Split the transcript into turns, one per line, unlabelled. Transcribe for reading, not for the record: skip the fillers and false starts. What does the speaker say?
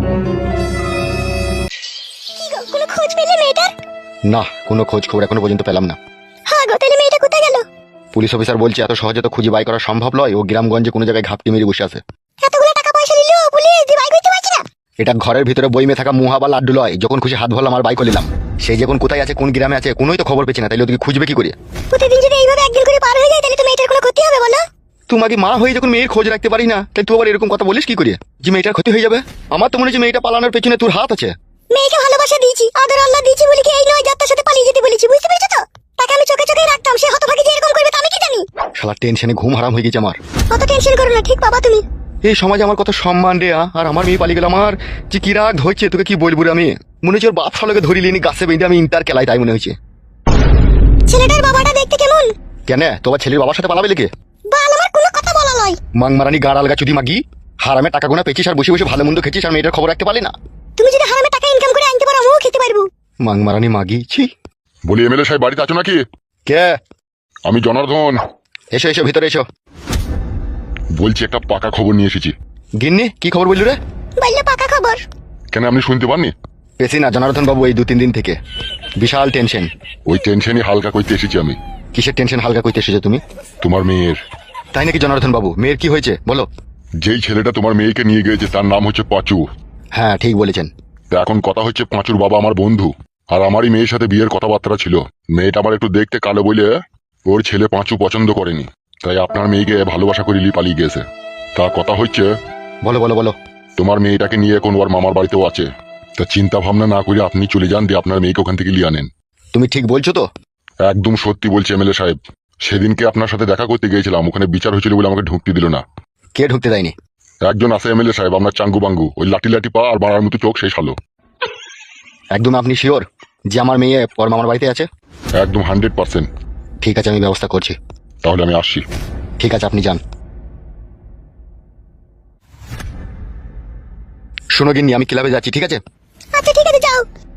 কোনো খোঁজ পেলে মেয়েটার?
না, কোনো খোঁজ খবর এখনো পর্যন্ত পেলাম না।
হ্যাঁ গো, তাহলে মেয়েটা কোথায় গেল?
পুলিশ অফিসার বলছে এত সহজে তো খুঁজে বাই করা সম্ভব নয়, ও গ্রামগঞ্জে কোনো জায়গায় ঘাপটি মেরে বসে আছে।
এতগুলো টাকা পয়সা নিল পুলিশ, দিয়ে বাইক করতে পারছি না।
এটা ঘরের ভিতরে বইমে থাকা মুহা বা লাড্ডু লয়, যখন খুশি হাত ভরলাম আর বাই করে নিলাম। সেই যখন কোথায় আছে, কোন গ্রামে আছে, কোনোই তো খবর পেছি না, তাইলে ওদিকে খুঁজবে কি করে?
প্রতিদিন যদি এইভাবে একদিন করে পার হয়ে যায় তাহলে তো মেয়েটার কোনো ক্ষতি হবে বলো?
তোমাকে মা হয়ে যখন মেয়ের খোঁজ রাখতে পারি না, তাই তুই আবার এরকম কথা বলিস কি করে যে মেয়েটার ক্ষতি হয়ে যাবে? আমার তো মনে হচ্ছে মেয়েটা পালানোর পেছনে তোর হাত আছে।
মেয়েকে ভালোবাসা দিয়েছি, আদর আল্লাহ দিয়েছি বলে কি এই নয় যার তার সাথে পালিয়ে যেতে বলেছি, বুঝতে পেরেছো তো? তাকে আমি চোখে চোখে রাখতাম, সে হতভাগী যে এরকম করবে তা আমি কি জানি?
শালা টেনশনে ঘুম হারাম হয়ে গেছে আমার।
অত টেনশন করো না, ঠিক বাবা তুমি।
এই সমাজে আমার কত সম্মান রে, আর আমার মেয়ে পালিয়ে গেল। আমার যে কি রাগ ধরছে তোকে কি বলবো রে। আমি মনে হচ্ছে ওর বাপ শালাকে ধরি লিনি গাছে বেঁধে আমি ইন্টার খেলাই, তাই মনে হয়েছে।
ছেলেটার বাবাটা দেখতে কেমন?
কেন তোমার ছেলের বাবার সাথে পালাবে লেগে?
বাল, আমার কোনো কথা বলা নয়।
মাংমারানি গাড় আলগা চুদি মাগি, হারামে টাকা গোনা পেয়েছিস আর বসে বসে ভালো মন্দ খেয়েছিস আর মেয়েটার খবর রাখতে পারলি না।
তুমি যদি হারামে টাকা ইনকাম করে আনতে পারো আমিও খেতে পারবো।
মাংমারানি মাগি ছি।
বলি এমএলএ সাহেব বাড়িতে আছো নাকি?
কে?
আমি জনার্দন
এসো এসো ভিতরে এসো।
বলছি, একটা পাকা খবর নিয়ে এসেছি।
গিন্নি কি খবর বললি রে?
বললে পাকা খবর।
কেন আপনি শুনতে পাননি?
পেছি না জনার্দন বাবু, এই 2-3 দিন থেকে বিশাল টেনশন।
ওই টেনশনই হালকা করতে এসেছি আমি।
কিসের টেনশন হালকা করতে এসেছো তুমি?
তোমার মেয়ের।
তাই নাকি জনার্দন বাবু? মেয়ের কি হয়েছে বলো?
যেই ছেলেটা তোমার মেয়েকে নিয়ে গিয়েছে তার নাম হচ্ছে পাঁচু।
হ্যাঁ ঠিক বলেছেন।
তা এখন কথা হচ্ছে, পাঁচুর বাবা আমার বন্ধু, আর আমারই মেয়ের সাথে বিয়ের কথাবার্তা ছিল। মেয়েটা আমার একটু দেখতে কালো বলে ওর ছেলে পাঁচু পছন্দ করেনি, তাই আপনার মেয়েকে ভালোবাসা করে পালিয়ে গিয়েছে। তা কথা হচ্ছে,
বলো বলো বলো।
তোমার মেয়েটাকে নিয়ে এখন ওর মামার বাড়িতেও আছে। তা চিন্তা ভাবনা না করে আপনি চলে যান, দিয়ে আপনার মেয়েকে ওখান থেকে নিয়ে আনেন।
তুমি ঠিক বলছো তো?
একদম সত্যি বলছি এমএলএ সাহেব। সেদিনকে আপনার সাথে দেখা করতে গিয়েছিলাম, ওখানে বিচার হয়েছিল বলে আমাকে ঢুকতে দিল না।
কে ঢুকতে দেয়নি?
একজন আছে এমএলএ সাহেব, আপনার চাঙ্গু বাঙ্গু, ওই লাঠি লাঠি পা আর বাড়ার মতো চোখ, সেই সালো।
একদম আপনি শিওর যে আমার মেয়ে ওর মামার বাড়িতে আছে?
একদম 100%।
ঠিক আছে আমি ব্যবস্থা করছি।
তাহলে আমি আসছি।
ঠিক আছে আপনি যান। শোনো গিন্নি, আমি ক্লাবে যাচ্ছি, ঠিক আছে?
আচ্ছা ঠিক আছে, যাও।